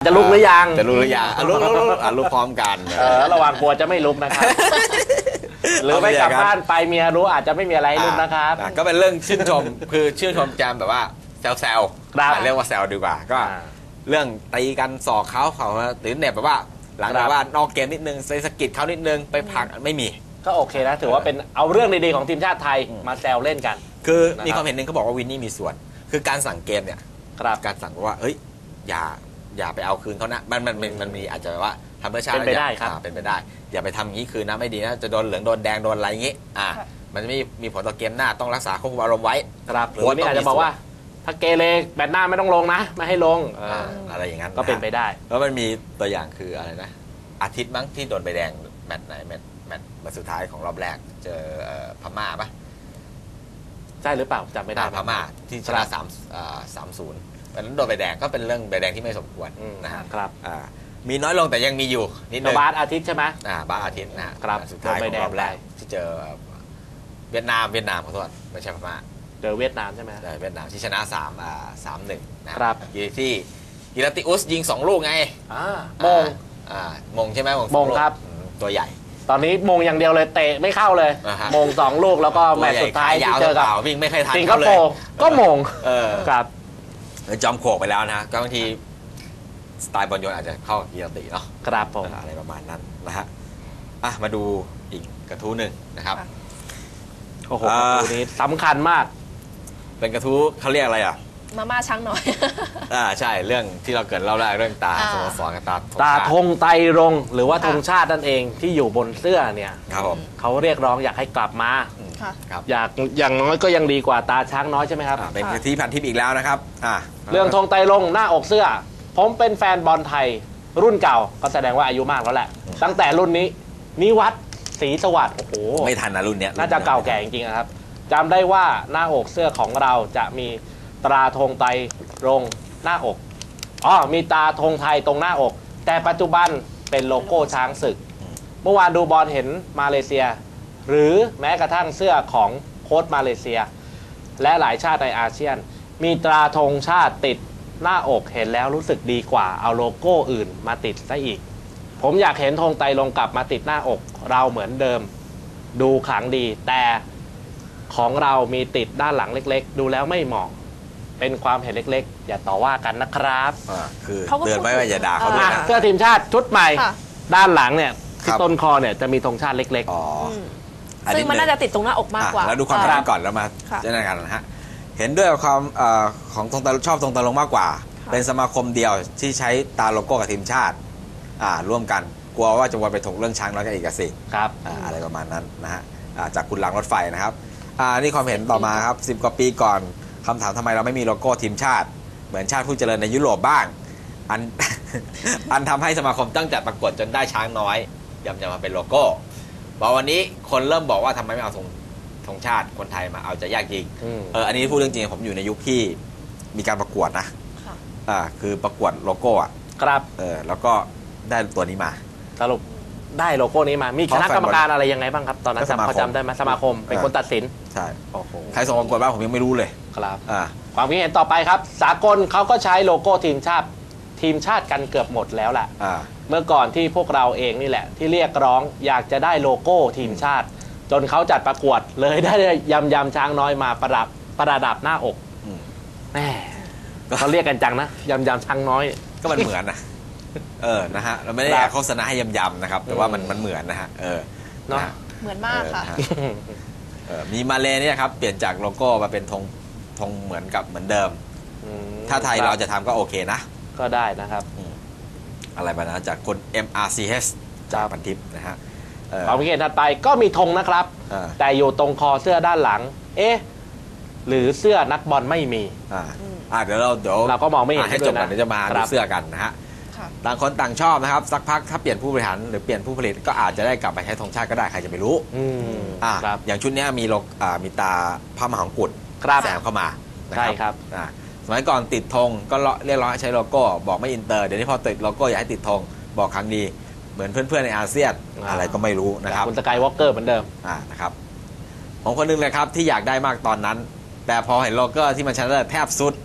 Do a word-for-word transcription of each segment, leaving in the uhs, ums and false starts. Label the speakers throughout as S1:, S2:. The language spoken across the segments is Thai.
S1: จะลุกหรือยัง
S2: จะลุกหรือยังลุกลุกลุกลุกพร้อมกัน
S1: เออระวังกลัวจะไม่ลุกนะครับหรือไม่กลับบ้านไปเมียรู้อาจจะไม่มีอะไรลุกนะครับ
S2: ก็เป็นเรื่องชื่นชมคือชื่นชมแจมแบบว่าแซวๆเรียกว่าแซวดีกว่าก็เรื่องตีกันสอกเขาเขาตื่นเนี่ยแบบว่าหลังจากว่านอกเกมนิดนึงใส่สกิดเขานิดนึงไปพักไม่มี
S1: ก็โอเคนะถือว่าเป็นเอาเรื่องดีๆของทีมชาติไทยมาแซวเล่นกัน
S2: คือมีความเห็นหนึ่งเขาบอกว่าวินนี่มีส่วนคือการสั่งเกมเนี่ยการสั่งว่าเฮ้ยอย่าอย่าไปเอาคืนเขานะมันมันมันมีอาจจะว่าทำเพื่อชาติ
S1: เป็นไปได้ครับ
S2: เป็นไปได้อย่าไปทำอย่างนี้คืนนะไม่ดีนะจะโดนเหลืองโดนแดงโดนอะไรอย่างนี้อ่ามันจะไม่มีผลต่อเกมหน้าต้องรักษาควบคุมอารมณ์ไว้
S1: ครับหรือนี่อาจจะบอกว่าถ้าเกเรแบตหน้าไม่ต้องลงนะไม่ให้ลง
S2: อะไรอย่างนั้น
S1: ก็เป็นไปได้
S2: แล้วมันมีตัวอย่างคืออะไรนะอาทิตย์มั้งที่โดนใบแดงแมตช์ไหนแมตช์แมตช์มาสุดท้ายของรอบแรกเจอพม่าปะ
S1: ใช่หรือเปล่าจำไม่ได้
S2: พม่าที่ชนะสามสามศูนย์วันนั้นโดนใบแดงก็เป็นเรื่องใบแดงที่ไม่สมควร
S1: นะครับ
S2: มีน้อยลงแต่ยังมีอยู่นิดนึง
S1: บาสอาทิตย์ใช่ไหม
S2: อ่าบาสอาทิตย์นะครับสุดท้ายของรอบแรกที่เจอเวียดนามเวียดนามขอโทษไม่ใช่พม่า
S1: เจอเวียดนามใช่ไหม
S2: ใช่เวียดนามที่ชนะสามอ่าสามหนึ่งนะครับที่กิราติอุสยิงสองลูกไง
S1: อ่ามง
S2: อ่ามงใช่ไหม
S1: มงครับ
S2: ตัวใหญ่
S1: ตอนนี้มงอย่างเดียวเลยเตะไม่เข้าเลยมงสองลูกแล้วก็แมตช์สุดท้ายที่เจอกับ
S2: วิ่งไม่เคยทัน
S1: สิงคโปร์ก็มงครับ
S2: จอมโขกไปแล้วนะก็บางทีสไตล์บอลโยนอาจจะเข้ากิราติเนาะ
S1: ครับผม
S2: อะไรประมาณนั้นนะฮะอ่ะมาดูอีกกระทู้หนึ่งนะครับ
S1: โอ้โหกระทู้นี้สำคัญมาก
S2: เป็นกระทู้เขาเรียกอะไรอ่ะ
S3: มาม่าช้างน้อย
S2: อ่าใช่เรื่องที่เราเกิดเล่าแรกเรื่องตาสโมสรกับตา
S1: ตาธงไตรรงหรือว่าธงชาตินั่นเองที่อยู่บนเสื้อเนี่ย
S2: ครับผม
S1: เขาเรียกร้องอยากให้กลับมาอยากอย่างน้อยก็ยังดีกว่าตาช้างน้อยใช่ไหมครับ
S2: เป็นที่พันทิปอีกแล้วนะครับอ่า
S1: เรื่องธงไตรรงหน้าอกเสื้อผมเป็นแฟนบอลไทยรุ่นเก่าก็แสดงว่าอายุมากแล้วแหละตั้งแต่รุ่นนี้นิวัฒน์ศรีสวัสดิ์โอ้โห
S2: ไม่ทันนะรุ่นเนี้ย
S1: น่าจะเก่าแก่จริงๆนะครับจำได้ว่าหน้าอกเสื้อของเราจะมีตราธงไตรรงหน้าอกอ๋อมีตราธงไทยตรงหน้าอกแต่ปัจจุบันเป็นโลโก้ช้างศึกเมื่อวานดูบอลเห็นมาเลเซียหรือแม้กระทั่งเสื้อของโค้ชมาเลเซียและหลายชาติในอาเซียนมีตราธงชาติติดหน้าอกเห็นแล้วรู้สึกดีกว่าเอาโลโก้อื่นมาติดซะอีกผมอยากเห็นธงไตรรงกลับมาติดหน้าอกเราเหมือนเดิมดูขลังดีแต่ของเรามีติดด้านหลังเล็กๆดูแล้วไม่เหมาะเป็นความเห็นเล็กๆอย่าต่อว่ากันนะครับ
S2: อ่าคือเตือนไว้ว่าอย่าด่าเขาด้วยนะ
S1: เสื้อทีมชาติชุดใหม่ด้านหลังเนี่ยที่ต้นคอเนี่ยจะมีธงชาติเล็ก
S2: ๆอ๋อ
S3: ซึ่งมันน่าจะติดตรงหน้าอกมากกว่า
S2: แล้วดูความเห็นก่อนแล้วมาเจรจากันนะฮะเห็นด้วยกับความของธงตาชอบธงตาลงมากกว่าเป็นสมาคมเดียวที่ใช้ตาโลโก้กับทีมชาติอ่าร่วมกันกลัวว่าจะวนไปถกเรื่องช้างน้อยกันอีกสิ
S1: ครับ
S2: อะไรประมาณนั้นนะฮะจากคุณหลังรถไฟนะครับอ่านี่ความเห็นต่อมาครับสิบกว่าปีก่อนคำถามทำไมเราไม่มีโลโก้ทีมชาติเหมือนชาติผู้เจริญในยุโรปบ้างอัน อันทำให้สมาคมตั้งจัดประกวดจนได้ช้างน้อยยำจะมาเป็นโลโก้บอกวันนี้คนเริ่มบอกว่าทำไมไม่เอาธงธงชาติคนไทยมาเอาจะยากจริงเอออันนี้พูดเรื่องจริงผมอยู่ในยุคที่มีการประกวดนะอ่าคือประกวดโลโก้อ่ะ
S1: ครับ
S2: เออแล้วก็ได้ตัวนี้มา
S1: สรุปได้โลโก้นี้มามีคณะกรรมการอะไรยังไงบ้างครับตอนนั้นจำเขาจำได้ไหมสมาคมเป็นคนตัดสิน
S2: ใช่ใครส่งประกวดบ้างผมยังไม่รู้เลย
S1: ครับความคิดเห็นต่อไปครับสากลเขาก็ใช้โลโก้ทีมชาติทีมชาติกันเกือบหมดแล้วแหละเมื่อก่อนที่พวกเราเองนี่แหละที่เรียกร้องอยากจะได้โลโก้ทีมชาติจนเขาจัดประกวดเลยได้ยำยำช้างน้อยมาประดับประดับหน้าอกแม่เขาเรียกกันจังนะยำยำช้างน้อย
S2: ก็มันเหมือนนะเออนะฮะเราไม่ได้โฆษณาให้ยำยำนะครับแต่ว่ามันมันเหมือนนะฮะเออ
S3: เนาะเหมือนมากค่ะ
S2: มีมาเลเนี่ยครับเปลี่ยนจากโลโก้มาเป็นธงธงเหมือนกับเหมือนเดิมถ้าไทยเราจะทำก็โอเคนะ
S1: ก็ได้นะครับ
S2: อะไรบ้างนะจากคน เอ็ม อาร์ ซี เอช จากพันทิปนะฮะ
S1: ความคิดเห็นถัดไปก็มีธงนะครับแต่อยู่ตรงคอเสื้อด้านหลังเอ๊ะหรือเสื้อนักบอลไม่มี
S2: อ่าเดี๋ยวเราเดี๋ยว
S1: เราก็มองไม่เห็น
S2: ให้จบกันเดี๋ยวจะมาดูเสื้อกันนะฮะต่างคนต่างชอบนะครับสักพักถ้าเปลี่ยนผู้บริหารหรือเปลี่ยนผู้ผลิตก็อาจจะได้กลับไปใช้ธงชาติก็ได้ใครจะไปรู้อ่าอย่างชุดนี้มีโลอ่ามีตาพระมหากรุฑแสงเข้ามา
S1: ใช่ครับ
S2: อ่าสมัยก่อนติดธงก็เรียกร้องให้ใช้โลโก้บอกไม่อินเตอร์เดี๋ยวนี้พอติดโลโก้อยากให้ติดธงบอกครั้งดีเหมือนเพื่อนๆในอาเซียนอะไรก็ไม่รู้นะครับ
S1: คุณสกายวอล์กเกอร์เหมือนเดิม
S2: อ่านะครับผมคนนึงเลยครับที่อยากได้มากตอนนั้นแต่พอเห็นโลโก้ที่มันชัดเลยแทบสุด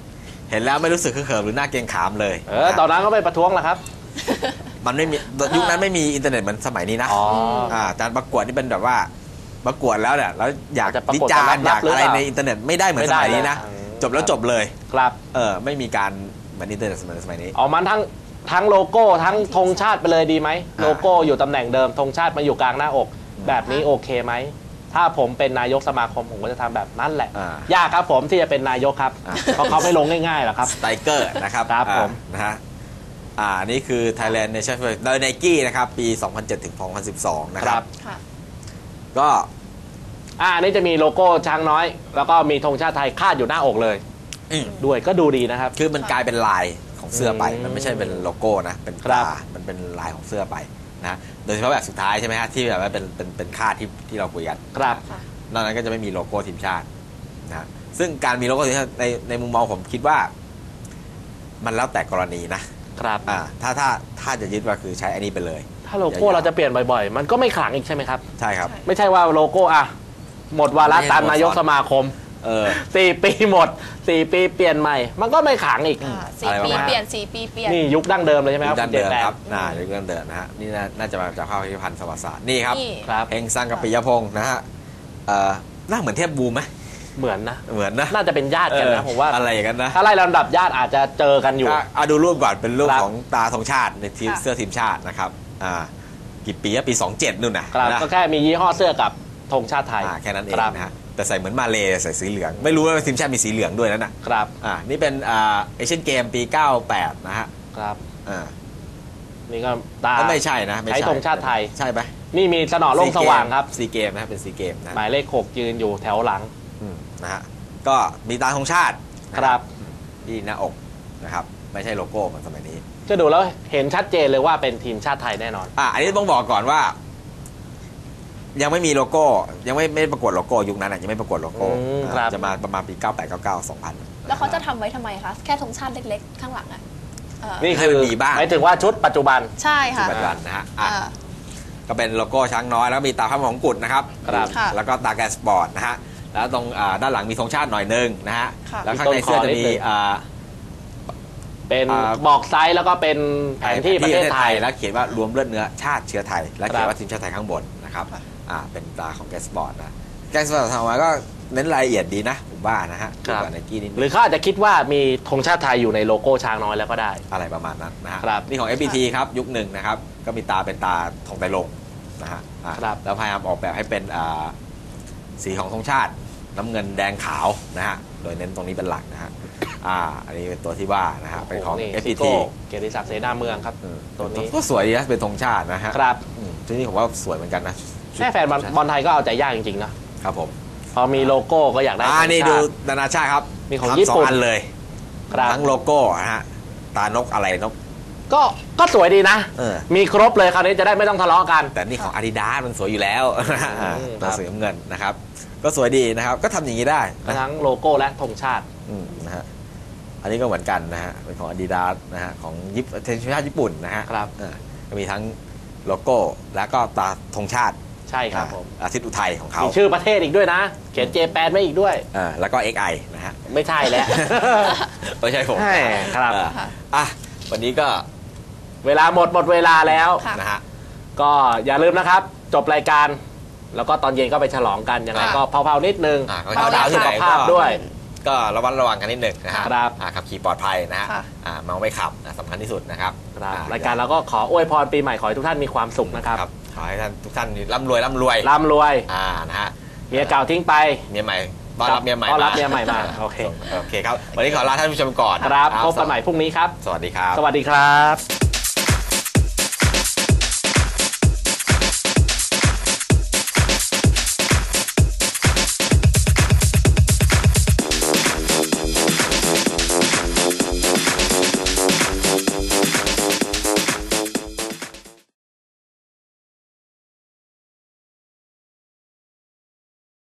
S2: เห็นแล้วไม่รู้สึกเขิมหรือหน้าเกรงขามเลย
S1: เออตอนนั้นก็ไปประท้วงแหละครับ
S2: มันไม่มียุคนั้นไม่มีอินเทอร์เน็ตเหมือนสมัยนี้นะ
S1: อ๋อ
S2: อ่าการประกวดนี่เป็นแบบว่าประกวดแล้วเนี่ยแล้วอยาก
S1: จะประ
S2: วิ
S1: กวด
S2: จารณ์
S1: จะ
S2: อ
S1: รับ
S2: ยาก
S1: หรือ
S2: อะไร
S1: เปล่า
S2: ในอินเทอร์เน็ตไม่ได้เหมือนสมัยนี้นะ
S1: ไม่ได้เลย
S2: จบแล้วจบเลย
S1: ครับ
S2: เออไม่มีการเหมือนอินเทอร์เน็ตสมัยสมัยนี้
S1: ออกมาทั้งทั้งโลโก้ทั้งธงชาติไปเลยดีไหมโลโก้อยู่ตำแหน่งเดิมธงชาติมาอยู่กลางหน้าอก แบบนี้โอเคไหมถ้าผมเป็นนายกสมาคมผมก็จะทำแบบนั้นแหละ
S2: อ่าย
S1: ากครับผมที่จะเป็นนายกครับ
S2: อ่า
S1: เพราะเขาไม่ลงง่ายๆหรอกครับ
S2: สไตรเกอร์นะครับ
S1: ครับ
S2: อ่า
S1: ผม
S2: นะฮะอ่านี่คือ Thailand Nation Fair โดย Nike นะครับปี สองพันเจ็ด ถึง สองพันสิบสอง นะครับ
S3: ค่ะ
S2: ก็
S1: อ่าอันนี้จะมีโลโก้ช้างน้อย แล้วก็มีธงชาติไทยคาดอยู่หน้าอกเลย
S2: อืม
S1: ด้วยก็ดูดีนะครับ
S2: คือมันกลายเป็นลายของเสื้อไป
S1: อืม
S2: มันไม่ใช่เป็นโลโก้นะ เป็น
S1: ครั
S2: ตา
S1: บ
S2: มันเป็นลายของเสื้อไปนะ โดยเฉพาะแบบสุดท้ายใช่ไหมฮะที่แบบว่าเป็นเป็นเป็นค่าดที่ที่เราคุยกัน
S1: ครับ
S3: ค่ะ
S2: นอกนั้นก็จะไม่มีโลโก้ทีมชาตินะฮะซึ่งการมีโลโก้ทีมชาติในในมุมมองผมคิดว่า มันแล้วแต่กรณีนะครับ อ่าถ้าถ้าถ้าจะยึดว่าคือใช้อันนี้ไปเลย
S1: ถ้าโลโก้เราจะเปลี่ยนบ่อยๆ มันก็ไม่ขลังอีกใช่ไหมครับ
S2: ใช่ครับ
S3: ใช่
S1: ไม่ใช่ว่าโลโก้อะหมดวาระตามนายกสมาคม
S2: เออ
S1: สี่ปีหมดสี่ปีเปลี่ยนใหม่ มันก็ไม่ขลังอีก
S3: อ่า
S2: อะ
S3: สี่
S2: ไร
S3: ปี
S2: ประมาณ
S3: เปลี่ยนสี่ปีเปลี่ยน
S1: นี่ยุคดั้งเดิมเลยใช่ไหมครับ
S2: ยุคดั้ง
S1: คุณ
S2: เดิม
S1: จแป
S2: ครับน่ายุคดั้งเดิมนะฮะนี่น่าน่าจะมาจากภาพพิพิธภัณฑ์สวัสดิ์ศาสตร์นี่ครับ
S3: นี่
S1: ครับ
S2: เฮงซังกับปิยพงศ์นะฮะเอ่อหน้าเหมือนเทพบูมไหม
S1: เหมือนนะ
S2: เหมือนนะ
S1: น่าจะเป็นญาติกันนะ
S2: เออ
S1: ผมว่า
S2: อะไรอย่างนั้นนะ
S1: ถ้าไล่ลำดับญาติอาจจะเจอกันอยู่
S2: ก็เอาดูรูปก่อนเป็นรูป
S1: ครับ
S2: ของตาธงชาติในทีม
S3: ค่ะ
S2: เสื้อทีมชาตินะครับอ่ากี่ปีอะปีสองเจ็ดนู่นนะครับ นะ
S1: ก็แค่มียี่ห้อเสื้อกับธงชาติไทย
S2: อ่าแค่นั้นเอง
S1: ครับ
S2: นะฮะแต่ใส่เหมือนมาเลใส่สีเหลือง ไม่รู้ว่าทีมชาติมีสีเหลืองด้วยนั่นน่ะ
S1: ครับ
S2: อ่านี่เป็นอ่าเอเชียนเกมปีเก้าแปดนะฮะ
S1: ครับ
S2: อ่า
S1: นี่ก็ตา
S2: ก็ไม่ใช่นะไม่
S1: ใช้
S2: ใช่
S1: ธงชาติไทย
S2: ใช่ไหม
S1: นี่มีสนอโล่งสว่างครับ
S2: ซีเกมนะเป็นซีเกมนะ
S1: หมายเลขหกยืนอยู่แถวหลัง
S2: อืมนะฮะก็มีตาธงชาตินะครับ ที่หน้าอกนะครับไม่ใช่โลโก้เหมือนสมัยนี้
S1: ก็ดูแล้วเห็นชัดเจนเลยว่าเป็นทีมชาติไทยแน่นอน
S2: อ่ะอันนี้ต้องบอกก่อนว่า ยังไม่มีโลโก้ ยังไม่ไม่ประกวดโลโก้ยุคนั้นอ่ะยังไม่ประกวดโลโก้
S1: อืม
S2: อ่า
S1: ครับ
S2: จะมาประมาณปีเก้าแปดเก้าเก้าสองพัน
S3: แล้วเขาจะทำไว้ทำไมคะ แค่ธงชาติเล็กๆ ข้างหลังอ่ะเออ
S1: นี่
S2: ให้
S1: คือ
S2: มันมีบ้าง
S1: หมายถึงว่าชุดปัจจุบัน
S3: ใช่ค่ะ
S2: ปัจจุบันนะฮะอ่ะ
S3: อ่า
S2: ก็เป็นโลโก้ช้างน้อยแล้วมีตาพระมหากรุฑนะครับ
S1: ครับ
S3: ค่ะ
S2: แล้วก็ตาแกนสปอร์ตนะฮะแล้วตรงอ่าด้านหลังมีธงชาติหน่อยนึงนะฮะ
S3: ค่ะ
S2: แล้วข้างในเสื้อจะมีอ่า
S1: เป็น
S2: อ่า
S1: บอกไซส์แล้วก็เป็นแผนที่ประเทศไทย
S2: แล้วเขียนว่ารวมเลือดเนื้อชาติเชื้อไทย และเขีย
S1: ครั
S2: น
S1: บ
S2: ว่าทีมชาติไทยข้างบนนะครับ
S3: ค่ะ
S2: อ่าเป็นตาของแกนสปอร์ตนะแกนสปอร์ตทำมาก็เน้นรายละเอียดดีนะผมว่านะฮะ
S1: ครับ
S2: ดีกว่าไนกี้นิดนึง
S1: หรือเขาอาจจะคิดว่ามีธงชาติไทยอยู่ในโลโก้ช้างน้อยแล้วก็ได้
S2: อะไรประมาณนั้นนะฮะ
S1: ครับ
S2: นี่ของ เอฟ บี ที ครับยุคหนึ่งนะครับก็มีตาเป็นตาทองไตรลงนะฮะอ่า
S1: ครับ
S2: แล้วพยายามออกแบบให้เป็นอ่าสีของธงชาติน้ำเงินแดงขาวนะฮะโดยเน้นตรงนี้เป็นหลักนะฮะอ่าอันนี้เป็นตัวที่ว่านะฮะเป็นของ
S1: นี่
S2: เอฟ
S1: ซิ
S2: บี
S1: โก้
S2: ที
S1: เกียรติศักดิ์เสนาเมืองครับ ตัวนี้
S2: ก็สวยดีนะเป็นธงชาตินะฮะ
S1: ครับ
S2: อืมชุดนี้ผมว่าสวยเหมือนกันนะ
S1: แค่แฟนบอลบอลไทยก็เอาใจยากจริงๆนะครับ
S2: ผม
S1: พอมีโลโก้ก็อยากได้
S2: อ่า
S1: ธง
S2: นี่
S1: ชา
S2: ดู
S1: ติ
S2: นานาชาติครับ
S1: มีของ
S2: ทำ
S1: ญี่ปุ่น
S2: สองอันเลย
S1: ครับ
S2: ทั้งโลโก้นะฮะตานกอะไรนก
S1: ก็ก็สวยดีนะ
S2: เออ
S1: มีครบเลยคราวนี้จะได้ไม่ต้องทะเลาะกัน
S2: แต่นี่ของ Adidas มันสวยอยู่แล้ว
S1: อืม
S2: ตัวสีน้ำเงินนะครับ ก็สวยดีนะครับ ก็ทำอย่างนี้ได้นะ
S1: ทั้งโลโก้และธงชาติ
S2: อืมนะฮะอันนี้ก็เหมือนกันนะฮะเป็นของ Adidas นะฮะของญี่ปุ่นทีมชาติญี่ปุ่นนะฮะ
S1: ครับ
S2: เออก็มีทั้งโลโก้แล้วก็ตาธงชาติ
S1: ใช่ครับผม
S2: อาทิตย์อุทัยของเขา
S1: มีชื่อประเทศอีกด้วยนะ เขียนเจแปนไว้อีกด้วย
S2: อ่าแล้วก็ เอ็กซ์ ไอ นะฮะ
S1: ไม่ใช่แล้ว
S2: ไม่ใช่ผม
S1: ใช่ครับ
S2: เอออ่ะวันนี้ก็
S1: เวลาหมดหมดเวลาแล้ว
S3: ค่ะ
S2: นะฮะ
S1: ก็อย่าลืมนะครับ จบรายการ แล้วก็ตอนเย็นก็ไปฉลองกันยังไง
S3: ค่ะ
S1: ก็เผาๆนิดนึง
S2: อ่าก็
S1: เผา
S2: ดาวที่
S1: สุ
S2: ไหน
S1: ขภาพ
S2: ก็
S1: ด้วย
S2: ก็ระวัดระวังกันนิดหนึ่งนะฮะ
S1: ครับ
S2: อ่าขับขี่ปลอดภัยนะฮะ
S3: ค่ะ
S2: อ่าเมาไม่ขับนะสำคัญที่สุดนะครับ
S1: ครับ
S2: อ่
S1: รายการเราก็ขออวยพรปีใหม่ขอให้ทุกท่านมีความสุขนะครับ
S2: ครับขอให้ท่านทุกท่านร่ำรวยร่ำรวย
S1: ร่ำรวย
S2: อ่านะฮะ
S1: เมียเก่าทิ้งไป
S2: เมียใหม่ต้อนรับเมียใหม่
S1: ต้อนรับ
S2: า
S1: เมียใหม่มาโอเค
S2: โอเคครับ วันนี้ขอลาท่านผู้ชมก่อน
S1: ครับ
S2: นะ
S1: พบกันใหม่พรุ่งนี้ครับ
S2: สวัสดีครับ
S1: สวัสดีครับ